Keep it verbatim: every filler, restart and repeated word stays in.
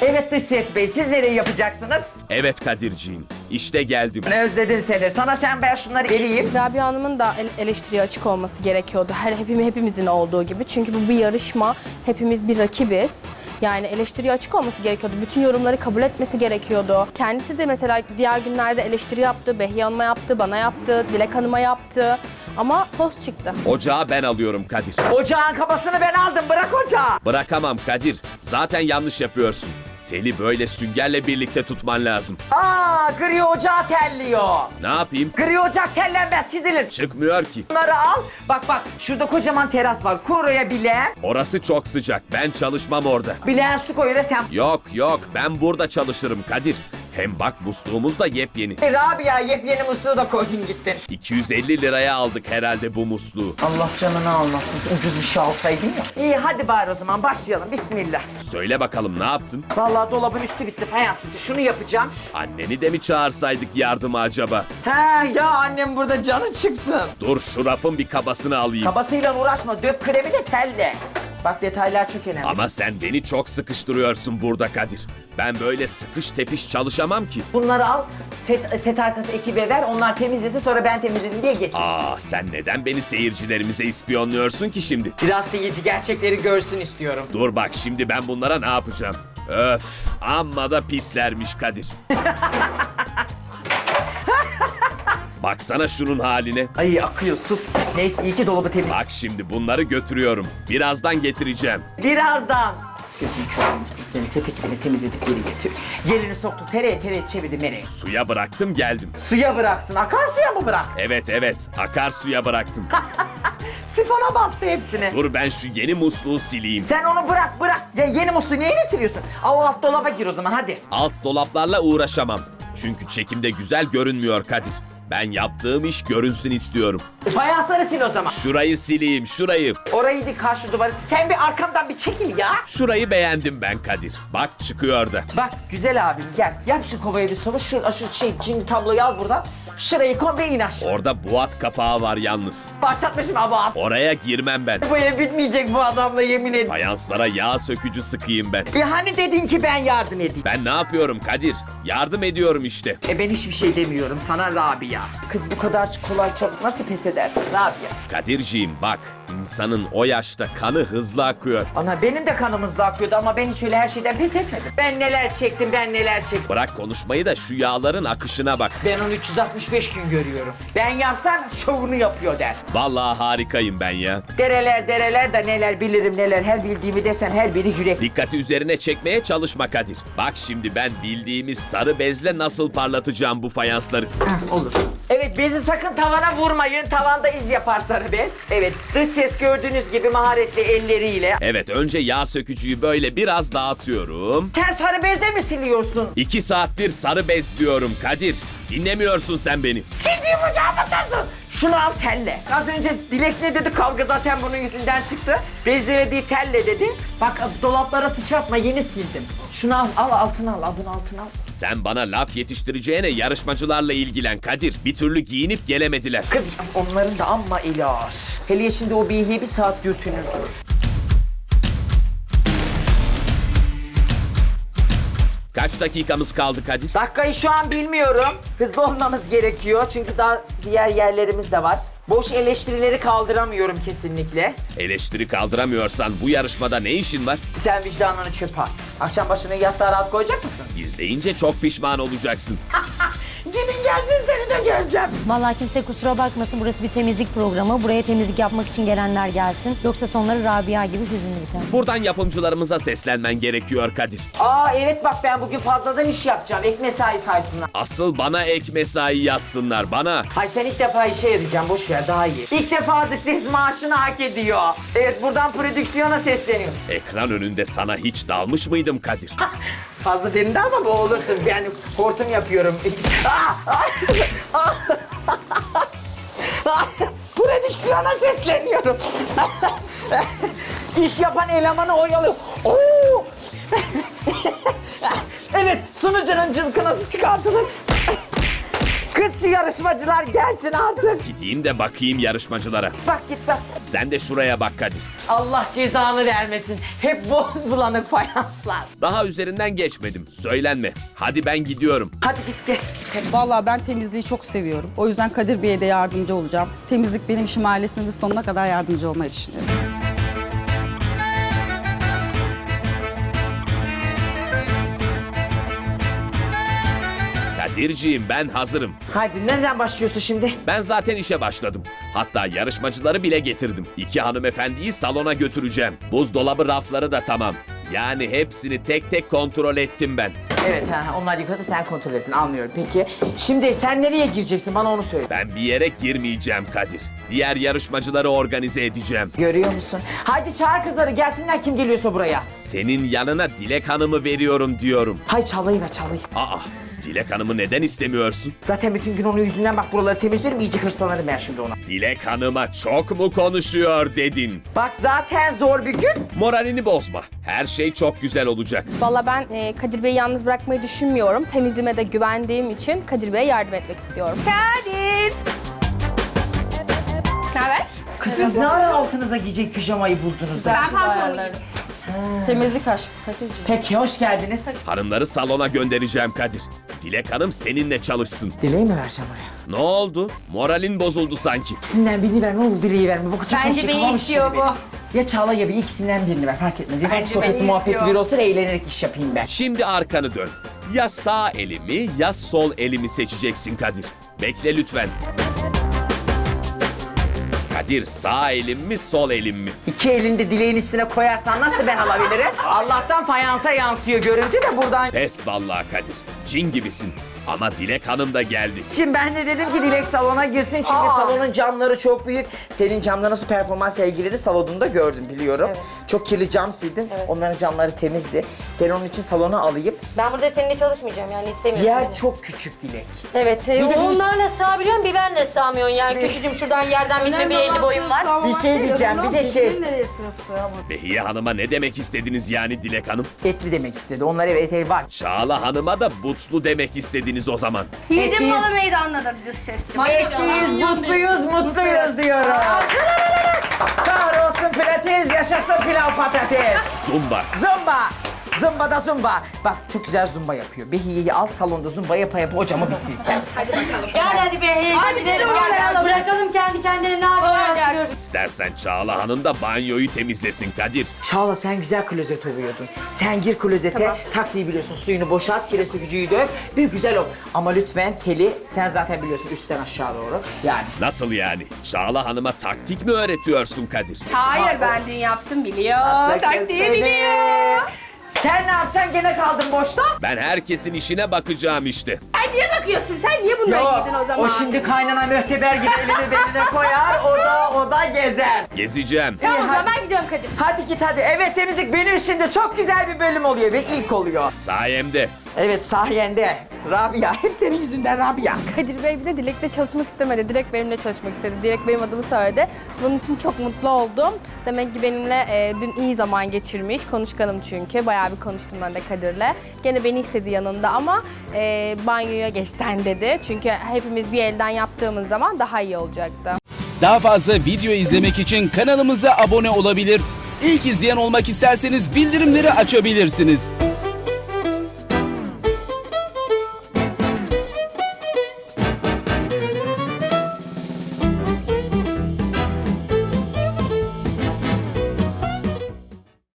Evet dış ses bey, siz nereye yapacaksınız? Evet Kadirciğim, işte geldim. Özledim seni. Sana sen ben şunları eleyeyim. Rabia Hanım'ın da ele- eleştiriye açık olması gerekiyordu. Her hepimiz hepimizin olduğu gibi. Çünkü bu bir yarışma. Hepimiz bir rakibiz. Yani eleştiriye açık olması gerekiyordu. Bütün yorumları kabul etmesi gerekiyordu. Kendisi de mesela diğer günlerde eleştiri yaptı. Behiye Hanım'a yaptı, bana yaptı, Dilek Hanım'a yaptı. Ama poz çıktı. Ocağı ben alıyorum Kadir. Ocağın kabasını ben aldım. Bırak ocağı. Bırakamam Kadir. Zaten yanlış yapıyorsun. Teli böyle süngerle birlikte tutman lazım. Aa, gri ocağı telliyor. Ne yapayım? Gri ocak tellenmez, çizilir. Çıkmıyor ki. Bunları al. Bak bak, şurada kocaman teras var. Kuruya bilen. Orası çok sıcak. Ben çalışmam orada. Bilen su koyuyor sen. Yok yok, ben burada çalışırım Kadir. Hem bak musluğumuz da yepyeni. Rabia yepyeni musluğu da koydun gittin. iki yüz elli liraya aldık herhalde bu musluğu. Allah canını almasın. Ucuz bir şey alsaydın ya. İyi hadi bari o zaman başlayalım. Bismillah. Söyle bakalım ne yaptın? Vallahi dolabın üstü bitti, fayans bitti. Şunu yapacağım. Anneni de mi çağırsaydık yardıma acaba? He ya, annem burada canı çıksın. Dur şu rafın bir kabasını alayım. Kabasıyla uğraşma. Dök kremi de telle. Bak detaylar çok önemli. Ama sen beni çok sıkıştırıyorsun burada Kadir. Ben böyle sıkış tepiş çalışamam ki. Bunları al, set, set arkası ekibe ver, onlar temizlesin, sonra ben temizledim diye getir. Aa, sen neden beni seyircilerimize ispiyonluyorsun ki şimdi? Biraz seyirci gerçekleri görsün istiyorum. Dur bak şimdi ben bunlara ne yapacağım? Öf, amma da pislermiş Kadir. Baksana şunun haline. Ay akıyor, sus. Neyse iyi ki dolabı temiz. Bak şimdi bunları götürüyorum. Birazdan getireceğim. Birazdan. Gözünü kör olmuşsun, seni set ekibine temizledik, geri getir. Gelini soktu, tereye tereye çevirdi nereye? Suya bıraktım geldim. Suya bıraktın, akarsuya mı bırak? Evet evet, akarsuya bıraktım. Sifona bastı hepsini. Dur ben şu yeni musluğu sileyim. Sen onu bırak bırak. Ya yeni musluğu neyini siliyorsun? Al alt dolaba gir o zaman hadi. Alt dolaplarla uğraşamam. Çünkü çekimde güzel görünmüyor Kadir. Ben yaptığım iş görünsün istiyorum. Fayansları sil o zaman. Şurayı sileyim, şurayı. Orayı dik, karşı duvarı. Sen bir arkamdan bir çekil ya. Şurayı beğendim ben Kadir. Bak çıkıyor da. Bak güzel abim gel. Yap şu kovaya bir soru. Şu, şu şey cin tabloyu al buradan. Şurayı komple in aşağı. Orada buat kapağı var yalnız. Başlatmışım ama. Oraya girmem ben. Bu ev bitmeyecek bu adamla, yemin ederim. Fayanslara yağ sökücü sıkayım ben. E hani dedin ki ben yardım edeyim. Ben ne yapıyorum Kadir? Yardım ediyorum işte. E ben hiçbir şey demiyorum sana Rabia. Kız bu kadar kolay çabuk nasıl pes edersin Rabia? Kadirciğim bak, insanın o yaşta kanı hızlı akıyor. Ana benim de kanım hızlı akıyordu ama ben hiç öyle her şeyden pes etmedim. Ben neler çektim, ben neler çektim. Bırak konuşmayı da şu yağların akışına bak. Ben onu üç yüz altmış beş gün görüyorum. Ben yapsam şovunu yapıyor der. Vallahi harikayım ben ya. Dereler dereler de neler bilirim neler, her bildiğimi desem her biri yürek. Dikkati üzerine çekmeye çalışma Kadir. Bak şimdi ben bildiğimiz sarı bezle nasıl parlatacağım bu fayansları. Heh, olur. Evet, bezi sakın tavana vurmayın. Tavanda iz yapar sarı bez. Evet, dış ses gördüğünüz gibi maharetli elleriyle. Evet önce yağ sökücüyü böyle biraz dağıtıyorum. Sen sarı bezle mi siliyorsun? İki saattir sarı bez diyorum Kadir. Dinlemiyorsun sen beni. Sildiğim ocağı batırdın. Şunu al telle. Az önce Dilek ne dedi? Kavga zaten bunun yüzünden çıktı. Bezlediği telle dedi. Bak dolaplara sıçratma, yeni sildim. Şunu al, al altına al, al bunu altına al. Sen bana laf yetiştireceğine yarışmacılarla ilgilen Kadir. Bir türlü giyinip gelemediler. Kız onların da amma eli ağır. Hele şimdi o bihiye bir saat götünür dur. Kaç dakikamız kaldı Kadir? Dakikayı şu an bilmiyorum. Hızlı olmamız gerekiyor çünkü daha diğer yerlerimiz de var. Boş eleştirileri kaldıramıyorum kesinlikle. Eleştiri kaldıramıyorsan bu yarışmada ne işin var? Sen vicdanını çöpe at. Akşam başını yastığa rahat koyacak mısın? İzleyince çok pişman olacaksın. Gelin gelsin, seni de göreceğim. Vallahi kimse kusura bakmasın, burası bir temizlik programı. Buraya temizlik yapmak için gelenler gelsin. Yoksa sonları Rabia gibi hüzünlü biter. Buradan yapımcılarımıza seslenmen gerekiyor Kadir. Aa evet bak, ben bugün fazladan iş yapacağım. Ek mesai saysınlar. Asıl bana ek mesai yazsınlar bana. Ay sen ilk defa işe yarayacağım, boş ver daha iyi. İlk defa da ses maaşını hak ediyor. Evet, buradan prodüksiyona sesleniyor. Ekran önünde sana hiç dalmış mıydım Kadir? Fazla derinde ama bu olursun. Yani hortum yapıyorum. Prodüksiyona sesleniyorum. İş yapan elemanı oyalıyor. Oo! Evet, sunucunun cılkınası çıkartılır. Kız Kız şu yarışmacılar gelsin artık. Gideyim de bakayım yarışmacılara. Bak git bak. Sen de şuraya bak Kadir. Allah cezanı vermesin. Hep boz bulanık fayanslar. Daha üzerinden geçmedim. Söylenme. Hadi ben gidiyorum. Hadi git gel. Vallahi ben temizliği çok seviyorum. O yüzden Kadir Bey'e de yardımcı olacağım. Temizlik benim işim, ailesine de sonuna kadar yardımcı olmayı düşünüyorum. Kadirciğim ben hazırım. Hadi nereden başlıyorsun şimdi? Ben zaten işe başladım. Hatta yarışmacıları bile getirdim. İki hanımefendiyi salona götüreceğim. Buzdolabı rafları da tamam. Yani hepsini tek tek kontrol ettim ben. Evet ha, onlar yıkadı sen kontrol ettin anlıyorum. Peki şimdi sen nereye gireceksin bana onu söyle. Ben bir yere girmeyeceğim Kadir. Diğer yarışmacıları organize edeceğim. Görüyor musun? Hadi çağır kızları gelsinler kim geliyorsa buraya. Senin yanına Dilek Hanım'ı veriyorum diyorum. Hay çalayı ver çalayı. Aa, Dilek Hanım'ı neden istemiyorsun? Zaten bütün gün onun yüzünden bak buraları temizliyorum iyice hırslanırım ben şimdi ona. Dilek Hanım'a çok mu konuşuyor dedin? Bak zaten zor bir gün. Moralini bozma. Her şey çok güzel olacak. Valla ben e, Kadir Bey'i yalnız bırakmayı düşünmüyorum. Temizliğime de güvendiğim için Kadir Bey'e yardım etmek istiyorum. Kadir! Ne haber? Kız siz ne ara altınıza giyecek pijamayı buldunuz da? Ben pantolon giydim. Temizlik aşk Kadir'ciğim. Peki hoş geldiniz. Hanımları salona göndereceğim Kadir. Dilek Hanım seninle çalışsın. Dileği mi vereceğim oraya? Ne oldu? Moralin bozuldu sanki. İkisinden birini ver ne olur dileği verme. Bu çok Bence beni istiyor bu. Ya Çağla ya bir ikisinden birini ver fark etmez. Yeter ki Bence sohbeti beni muhabbeti istiyor. bir olsun eğlenerek iş yapayım ben. Şimdi arkanı dön. Ya sağ elimi ya sol elimi seçeceksin Kadir. Bekle lütfen. Kadir sağ elim mi sol elim mi? İki elini de dileğin üstüne koyarsan nasıl ben alabilirim? Allah'tan fayansa yansıyor görüntü de buradan. Pes vallahi Kadir. Cin gibisin. Ama Dilek Hanım da geldi. Şimdi ben de dedim ki Dilek salona girsin çünkü Aa. salonun camları çok büyük. Senin camda nasıl performans sergileri salonunda gördüm biliyorum. Çok kirli cam sildin. Onların camları temizdi. Seni onun için salona alayım. Ben burada seninle çalışmayacağım yani istemiyorum. Yer seni. çok küçük Dilek. Evet, e, Bir de bir- onlarla sığabiliyorum bir benle sığamıyorsun yani. Küçücüm şuradan yerden bitme bir elli boyum var. Bir şey diyeceğim bir de şey Behiye Hanım'a ne demek istediniz yani Dilek Hanım? etli demek istedi. Onlar evet ev var. Çağla Hanım'a da butlu demek istediniz o zaman. Yiğidim Etliyiz. malı meydandadır diyor sesçim. Etliyiz, mutluyuz, mutluyuz diyoruz. Kahrolsun pilates, yaşasın pilav patates. Zumba. Zumba. Zumba da zumba. Bak çok güzel zumba yapıyor. Behiye'yi al salonda zumba yapa yapa o camı bir silsen. Gel hadi be, hadi gidelim gel. Bırakalım kendi kendine ne yapıyoruz. İstersen Çağla Hanım da banyoyu temizlesin Kadir. Çağla sen güzel klozet ovuyordun. Sen gir klozete, taktiği biliyorsun. Suyunu boşalt, kire sökücüyü döv. Bir güzel ol. Ama lütfen teli sen zaten biliyorsun üstten aşağı doğru. Yani. Nasıl yani? Çağla Hanım'a taktik mi öğretiyorsun Kadir? Hayır ben dün yaptım biliyor. Atla Taktiği kestene. biliyor. Sen ne yapacaksın gene kaldın boşta? Ben herkesin işine bakacağım işte. Sen niye bakıyorsun? Sen niye bunları Yok, giydin o zaman? o şimdi kaynana mühteber gibi elini beline koyar, o da o da gezer. Gezeceğim. Tamam o zaman hadi. ben gidiyorum Kadir. Hadi git hadi. Evet temizlik benim şimdi çok güzel bir bölüm oluyor ve ilk oluyor. Sayemde. Evet sayende. Rabia, hep senin yüzünden Rabia. Kadir Bey bir de Dilek'le çalışmak istemedi. Direkt benimle çalışmak istedi. Direkt benim adımı söyledi. Bunun için çok mutlu oldum. Demek ki benimle e, dün iyi zaman geçirmiş. Konuşkanım çünkü. Bayağı bir konuştum ben de Kadir'le. Gene beni istedi yanında ama e, banyoya geçten dedi. Çünkü hepimiz bir elden yaptığımız zaman daha iyi olacaktı. Daha fazla video izlemek için kanalımıza abone olabilir. İlk izleyen olmak isterseniz bildirimleri açabilirsiniz.